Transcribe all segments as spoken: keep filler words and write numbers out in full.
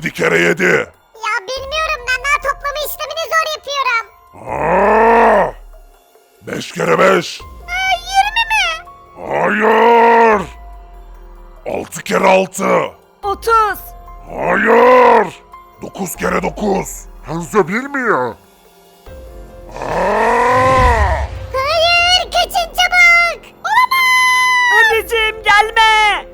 yedi kere yedi. Ya bilmiyorum, ben daha toplama işlemini zor yapıyorum. Aa! beş kere beş. Aa, yirmi mi? Hayır. altı kere altı. otuz. Hayır. dokuz kere dokuz. Hanzo bilmiyor. Aa! Hayır, kaçın çabuk. Olamaz. Anneciğim gelme.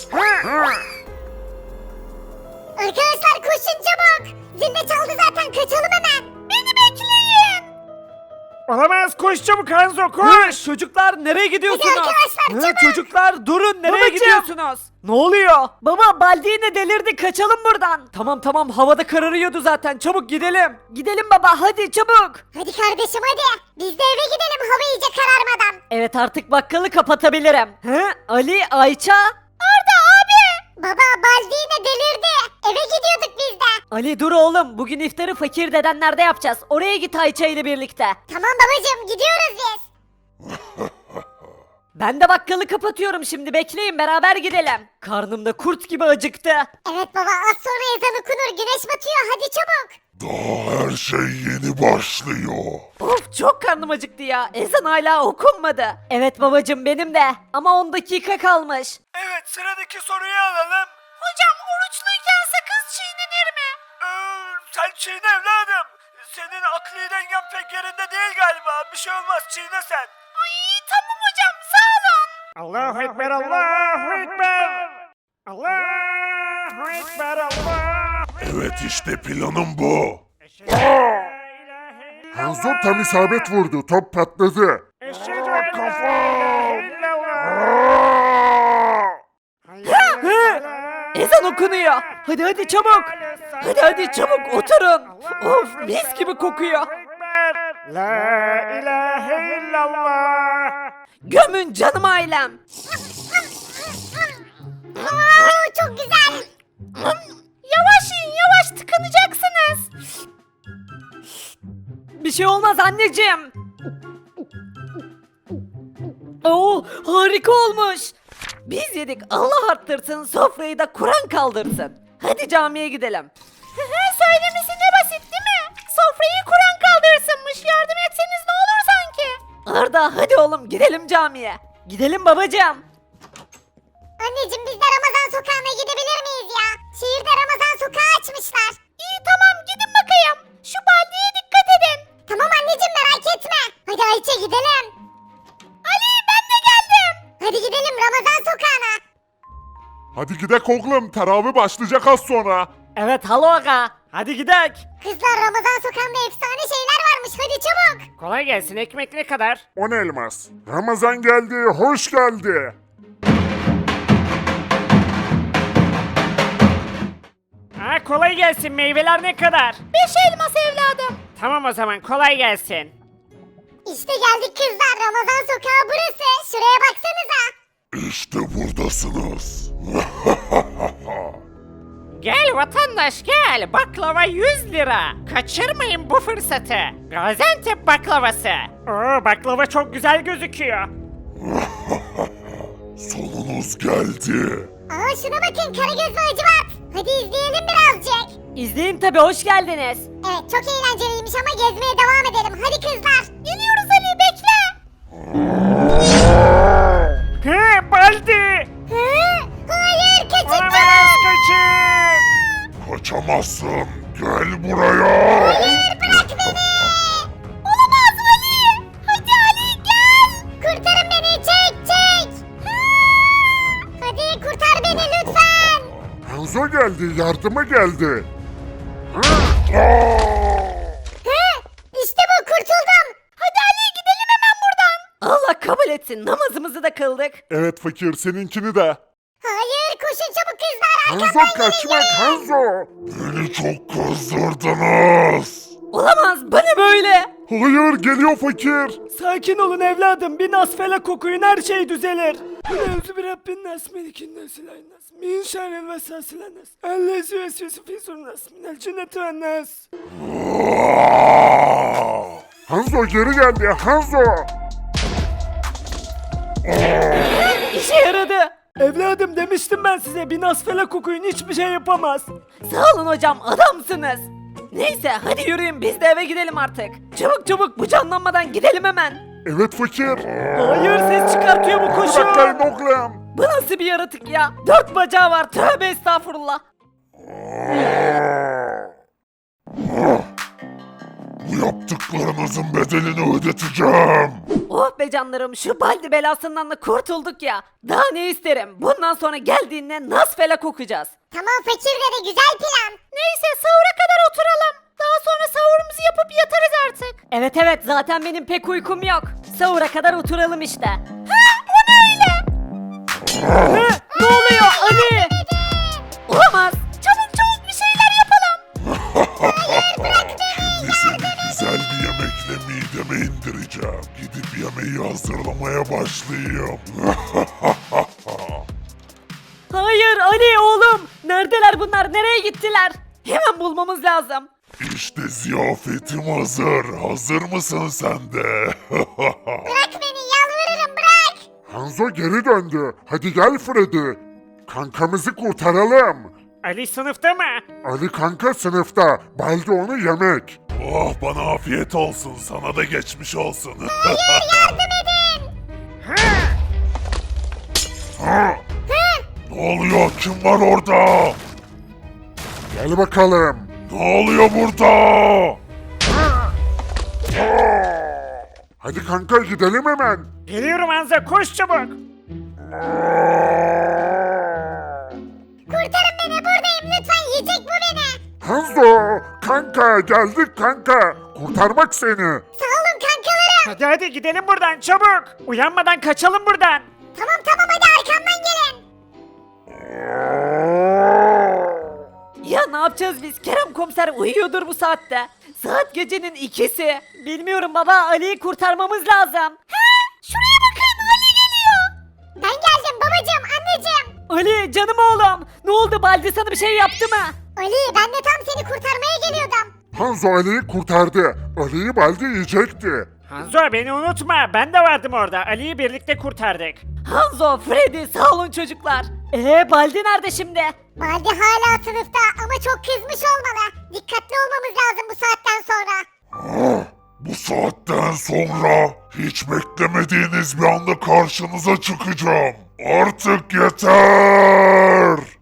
Arkadaşlar koşun çabuk. Zil de çaldı zaten, kaçalım hemen. Beni bekleyin. Olamaz, koş çabuk Hanzo, Hı, koş. çocuklar nereye gidiyorsunuz? Hadi arkadaşlar, Hı, çabuk. çocuklar durun, nereye Babacığım. gidiyorsunuz? Ne oluyor? Baba Baldi yine delirdi, kaçalım buradan. Tamam tamam, havada kararıyordu zaten, çabuk gidelim. Gidelim baba, hadi çabuk. Hadi kardeşim hadi. Biz de eve gidelim hava iyice kararmadan. Evet, artık bakkalı kapatabilirim. Hı? Ali, Ayça? Arda abi. Baba Baldi yine delirdi. Eve gidiyorduk biz de. Ali dur oğlum, bugün iftarı fakir dedenlerde yapacağız. Oraya git Ayça ile birlikte. Tamam babacığım, gidiyoruz biz. Ben de bakkalı kapatıyorum şimdi, bekleyin beraber gidelim. Karnım da kurt gibi acıktı. Evet baba, az sonra ezan okunur, güneş batıyor, hadi çabuk. Daha her şey yeni başlıyor. Of, çok karnım acıktı ya. Ezan hala okunmadı. Evet babacım, benim de. Ama on dakika kalmış. Evet, sıradaki soruyu alalım. Hocam oruçluyken sakız çiğnenir mi? Ee, sen çiğne evladım. Senin akli dengen pek yerinde değil galiba. Bir şey olmaz, çiğne sen. Ay tamam hocam, sağ olun. Allahu Ekber, Allahu Ekber. Allahu Ekber, Allah. Evet, işte planım bu. Hanzo tam isabet vurdu. Top patladı. Hı? Ezan okunuyor. Hadi hadi çabuk. Hadi hadi çabuk oturun. Of, mis gibi kokuyor. La ilahe illallah. Gömün canım ailem. Oo, çok güzel. Yavaş yiyin, yavaş, tıkanacaksınız. Bir şey olmaz anneciğim. Oo, harika olmuş. Biz yedik, Allah arttırsın, sofrayı da Kur'an kaldırsın. Hadi camiye gidelim. Söylemesi ne basit değil mi? Sofrayı Kur'an kaldırsınmış, yardım etseniz ne olur sanki. Arda hadi oğlum, gidelim camiye. Gidelim babacığım. Anneciğim, biz de Ramazan sokağına gidebilir miyiz ya? Şehirde Ramazan sokağı açmışlar. İyi tamam, gidin bakayım. Şu baldiye dikkat edin. Tamam anneciğim, merak etme. Hadi Ayça gidelim. Ali ben de geldim. Hadi gidelim Ramazan sokağına. Hadi gidek oğlum. Teravih başlayacak az sonra. Evet halo aga, hadi gidelim. Kızlar, Ramazan sokağında efsane şeyler varmış, hadi çabuk. Kolay gelsin, ekmek ne kadar? On elmas. Ramazan geldi. Hoş geldi. Ha, kolay gelsin, meyveler ne kadar? Beş elmas evladım. Tamam o zaman, kolay gelsin. İşte geldik kızlar, Ramazan sokağı burası. Şuraya baksanıza. İşte buradasınız. Gel vatandaş gel, baklava yüz lira. Kaçırmayın bu fırsatı. Gaziantep baklavası. Oo, baklava çok güzel gözüküyor. Sonunuz geldi. Aa şuna bakın, Karagöz ve Hacivat. Hadi izleyelim birazcık. İzleyin tabi, hoş geldiniz. Evet, çok eğlenceliymiş ama gezmeye devam edelim. Hadi kızlar. Geliyoruz Ali, bekle. He, Baldi. Hı? Hayır, kaçın Olamaz, çabuk. kaçın. Kaçamazsın. Gel buraya. Hayır, bırak beni. Olamaz Ali. Hadi Ali gel. Kurtarın beni, çek çek. Hı? Hadi kurtar beni lütfen. Hanzo geldi. Yardıma geldi. Hı? İşte bu, kurtuldum. Hadi Ali gidelim hemen buradan. Allah kabul etsin, namazımızı da kıldık. Evet fakir, seninkini de. Hayır, koşun çabuk kızlar. Hanzo Arkamdan kaçmak gelin. Hanzo. Beni çok kızdırdınız. Olamaz, bana böyle. Hayır, geliyor fakir. Sakin olun evladım, bir nasfele kokuyun, her şey düzelir. Evzu bir Rabbin nas, melikin nas, ilahin nas, min şerril vesvesilen nas, ellezi vesvesi fi sur nas, minel cinneti ve nas. Hanzo geri geldi. Hanzo. İşe yaradı. Evladım demiştim ben size bir Nasfelak okuyun hiçbir şey yapamaz. Sağ olun hocam adamsınız. Neyse hadi yürüyün biz de eve gidelim artık. Çabuk çabuk bu canlanmadan gidelim hemen. Evet fakir. Hayır ses çıkartıyor bu Bıraklayın koşun. oğlum. Bu nasıl bir yaratık ya? Dört bacağı var tövbe estağfurullah. Bu yaptıklarınızın bedelini ödeteceğim. Oh be canlarım şu baldi belasından da kurtulduk ya. Daha ne isterim? Bundan sonra geldiğinde Nasfelak okuyacağız. Tamam fakir dede güzel plan. Neyse sahura kadar oturalım. Daha sonra sahurumuzu yapıp yatarız artık. Evet evet zaten benim pek uykum yok. Sahura kadar oturalım işte. Ha o ne öyle? Ne? Ne oluyor Ali? Olamaz. Çabuk çabuk bir şeyler yapalım. Şimdi seni güzel bir yemekle mideme indireceğim. Gidip yemeği hazırlamaya başlayayım. Hayır Ali oğlum. Neredeler bunlar? Nereye gittiler? Hemen bulmamız lazım. İşte ziyafetim hazır. Hazır mısın sen de? Bırak beni yalvarırım bırak. Hanzo geri döndü. Hadi gel Freddy. Kankamızı kurtaralım. Ali sınıfta mı? Ali kanka sınıfta. Baldi onu yemek. Oh bana afiyet olsun. Sana da geçmiş olsun. Ha? Ne oluyor? Kim var orada? Gel bakalım. Ne oluyor burada? Hadi kanka gidelim hemen. Geliyorum Hanzo koş çabuk. Kurtarın beni buradayım lütfen yiyecek bu beni. Hanzo kanka geldik kanka. Kurtarmak seni. Sağ olun kankalarım. Hadi hadi gidelim buradan çabuk. Uyanmadan kaçalım buradan. Tamam tamam hadi arkamdan gelin. Ya ne yapacağız biz? Kerem komiser uyuyordur bu saatte. Saat gecenin ikisi. Bilmiyorum baba Ali'yi kurtarmamız lazım. Şuraya bakın Ali geliyor. Ben geldim babacığım anneciğim. Ali canım oğlum. Ne oldu Baldi sana bir şey yaptı mı? Ali ben de tam seni kurtarmaya geliyordum. Hanzo Ali'yi kurtardı. Ali'yi Baldi yiyecekti. Hanzo beni unutma ben de vardım orada. Ali'yi birlikte kurtardık. Hanzo, Freddy sağ olun çocuklar. Ee Baldi nerede şimdi? Baldi hala sınıfta ama çok kızmış olmalı. Dikkatli olmamız lazım bu saatten sonra. Ah, bu saatten sonra hiç beklemediğiniz bir anda karşınıza çıkacağım. Artık yeter.